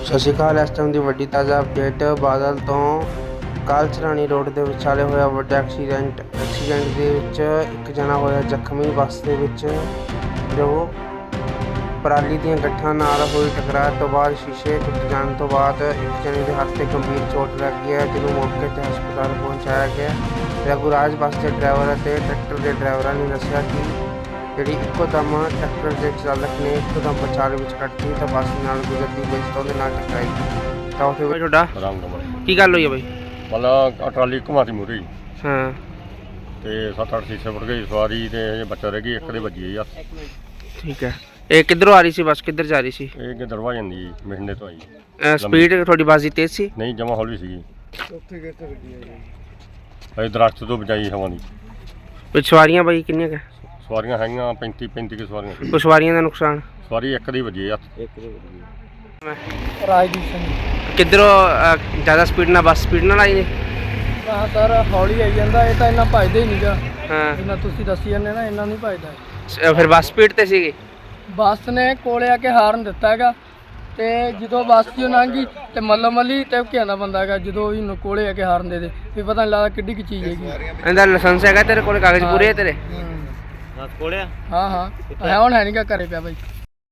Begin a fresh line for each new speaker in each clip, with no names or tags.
ਸਤਿ ਸ਼੍ਰੀ ਅਕਾਲ। ਇਸ ਟਾਈਮ ਦੀ ਵੱਡੀ ਤਾਜ਼ਾ ਅਪਡੇਟ ਬਾਦਲ ਤੋਂ ਕਾਲਚਰਾਣੀ ਰੋਡ ਦੇ ਵਿਚਾਲੇ ਹੋਇਆ ਵੱਡਾ ਐਕਸੀਡੈਂਟ ਦੇ ਵਿੱਚ ਇੱਕ ਜਣਾ ਹੋਇਆ ਜ਼ਖਮੀ। ਬੱਸ ਦੇ ਵਿੱਚ ਜੋ ਪਰਾਲੀ ਦੀਆਂ ਗੱਠਾਂ ਨਾਲ ਹੋਈ ਟਕਰਾਅ ਤੋਂ ਬਾਅਦ ਸ਼ੀਸ਼ੇ ਟੁੱਟ ਜਾਣ ਤੋਂ ਬਾਅਦ ਇੱਕ ਜਣੇ ਦੇ ਹੱਥ 'ਤੇ ਗੰਭੀਰ ਚੋਟ ਲੱਗੀ ਹੈ, ਜਿਹਨੂੰ ਮੌਕੇ 'ਤੇ ਹਸਪਤਾਲ ਪਹੁੰਚਾਇਆ ਗਿਆ। ਰਘੂਰਾਜ ਬੱਸ ਦੇ ਡਰਾਈਵਰ ਅਤੇ ਟਰੈਕਟਰ ਦੇ ਡਰਾਈਵਰਾਂ ਨੇ ਦੱਸਿਆ ਕਿ ਜਿਹੜੀ ਇੱਕੋ ਦਮ ਟਰੈਕਟਰ ਦੇ ਚਾਲਕ ਨੇ ਇੱਕੋ ਦਮ ਵਿਚਾਲੇ ਵਿੱਚ ਕੱਟਤੀ ਤਾਂ ਬੱਸ ਨਾਲ ਗੁਜ਼ਰਦੀ ਪਈ ਸੀ ਤਾਂ ਉਹਦੇ ਨਾਲ ਟਕਰਾਈ। ਤਾਂ ਉੱਥੇ ਤੁਹਾਡਾ ਕੀ ਗੱਲ ਹੋਈ ਹੈ ਬਾਈ?
ਮਤਲਬ ਟਰਾਲੀ ਘੁਮਾਤੀ ਮੂਹਰੇ
ਹਾਂ
ਤੇ 7-8 ਸ਼ੀਸ਼ੇ ਫੁੱਟ ਗਏ, ਸਵਾਰੀ ਤੇ ਹਜੇ ਬੱਚਾ ਰਹਿ ਗਈ, ਇੱਕ ਦੇ ਵੱਜੀ ਆ।
ਠੀਕ ਹੈ। ਇਹ ਕਿੱਧਰੋਂ ਆ ਰਹੀ ਸੀ ਬੱਸ, ਕਿੱਧਰ ਜਾ ਰਹੀ ਸੀ?
ਇਹ ਗਿੱਦੜਵਾ ਜਾਂਦੀ ਜੀ, ਮਹਿੰਦੇ ਤੋਂ ਆਈ।
ਸਪੀਡ ਤੁਹਾਡੀ ਬੱਸ ਦੀ ਤੇਜ਼ ਸੀ?
ਨਹੀਂ, ਜਮਾ ਹੌਲੀ ਸੀਗੀ। ਇਹ ਦਰਖਤ ਤੋਂ ਬਚਾਈ ਹਵਾ ਦੀ।
ਵਿੱਚ ਸਵਾਰੀਆਂ ਬਾਈ ਕਿੰਨੀਆਂ ਕੁ?
ਸਵਾਰੀਆਂ ਹੈਗੀਆਂ 35 ਕੇ ਸਵਾਰੀਆਂ।
ਕੋਈ ਸਵਾਰੀਆਂ ਦਾ ਨੁਕਸਾਨ?
ਸਵਾਰੀ ਇੱਕ ਦੀ ਵੱਜੀ ਆ।
ਰਾਜਦੀਪ ਸਿੰਘ।
ਕਿੱਧਰੋਂ ਜ਼ਿਆਦਾ ਸਪੀਡ ਨਾਲ ਬੱਸ ਸਪੀਡ ਨਾਲ ਆਈ ਨੇ?
ਹਾਂ ਸਰ, ਹੌਲੀ ਆਈ ਜਾਂਦਾ, ਇਹ ਤਾਂ ਇੰਨਾ ਭੱਜਦਾ ਹੀ ਨਹੀਂਗਾ।
ਹਾਂ,
ਜਿੰਨਾ ਤੁਸੀਂ ਦੱਸੀ ਜਾਂਦੇ ਨਾ, ਇੰਨਾ ਨਹੀਂ ਭੱਜਦਾ।
ਫਿਰ ਬੱਸ ਸਪੀਡ ਤੇ ਸੀਗੀ?
ਬੱਸ ਨੇ ਕੋਲੇ ਆ ਕੇ ਹਾਰਨ ਦਿੱਤਾ ਹੈਗਾ ਤੇ ਜਦੋਂ ਬੱਸ ਚੋਂ ਲੰਘੀ ਤੇ ਮੱਲੋ ਮੱਲੀ ਤੇ ਘਿਆਂਦਾ ਬੰਦਾ ਹੈਗਾ, ਜਦੋਂ ਵੀ ਕੋਲੇ ਆ ਕੇ ਹਾਰਨ ਦੇ ਵੀ ਪਤਾ ਨਹੀਂ ਲੱਗਦਾ ਕਿੱਡੀ ਕੀ ਚੀਜ਼ ਹੈਗੀ।
ਇਹਦਾ ਲਾਇਸੈਂਸ ਹੈਗਾ ਤੇਰੇ ਕੋਲ? ਕਾਗਜ਼ ਪੂਰੇ ਹੈ ਤੇਰੇ?
ਕੋਲੇ ਹਾਂ ਹਾਂ ਹੈ, ਹੁਣ ਹੈ ਨਹੀਂਗਾ, ਘਰੇ ਪਿਆ ਬਾਈ।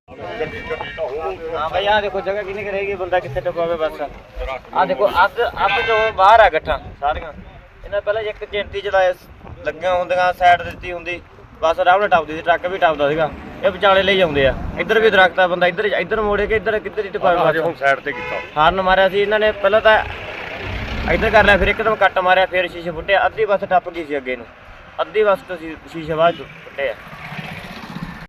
हाँ भाई, यहाँ देखो जगह कितनी रहेगी, बंदा कितने टपावे बस। हाँ देखो अद जो बाहर आ गट्ठा सारियां इन्हें पहले एक चिंटी चलाए लगे होंगे, साइड ਦਿੱਤੀ ਹੁੰਦੀ बस आराम ਨਾਲ ਟੱਪਦੀ ਸੀ, ਟਰੱਕ ਵੀ ਟੱਪਦਾ ਸੀਗਾ। ਇਹ ਵਿਚਾਲੇ ਲਈ ਜਾਂਦੇ ਆ, ਇੱਧਰ ਵੀ ਦਰਖਤ ਆ, ਬੰਦਾ ਇੱਧਰ ਮੋੜੇ ਕੇ ਇੱਧਰ ਕਿੱਧਰ ਹੀ ਟਪਾਵੇ।
ਹੁਣ ਸਾਈਡ ਤੇ ਕੀਤਾ,
ਹਾਰਨ ਮਾਰਿਆ ਸੀ ਇਹਨਾਂ ਨੇ, ਪਹਿਲਾਂ ਤਾਂ ਇੱਧਰ ਕਰ ਲਿਆ, ਫਿਰ ਇੱਕਦਮ ਕੱਟ ਮਾਰਿਆ, ਫਿਰ ਸ਼ੀਸ਼ੇ ਫੁੱਟਿਆ। ਅੱਧੀ ਬੱਸ ਟੱਪ ਗਈ ਸੀ ਅੱਗੇ ਨੂੰ, ਅੱਧੀ ਬੱਸ ਤੋਂ ਸ਼ੀਸ਼ੇ ਬਾਅਦ ਫੁੱਟੇ ਆ।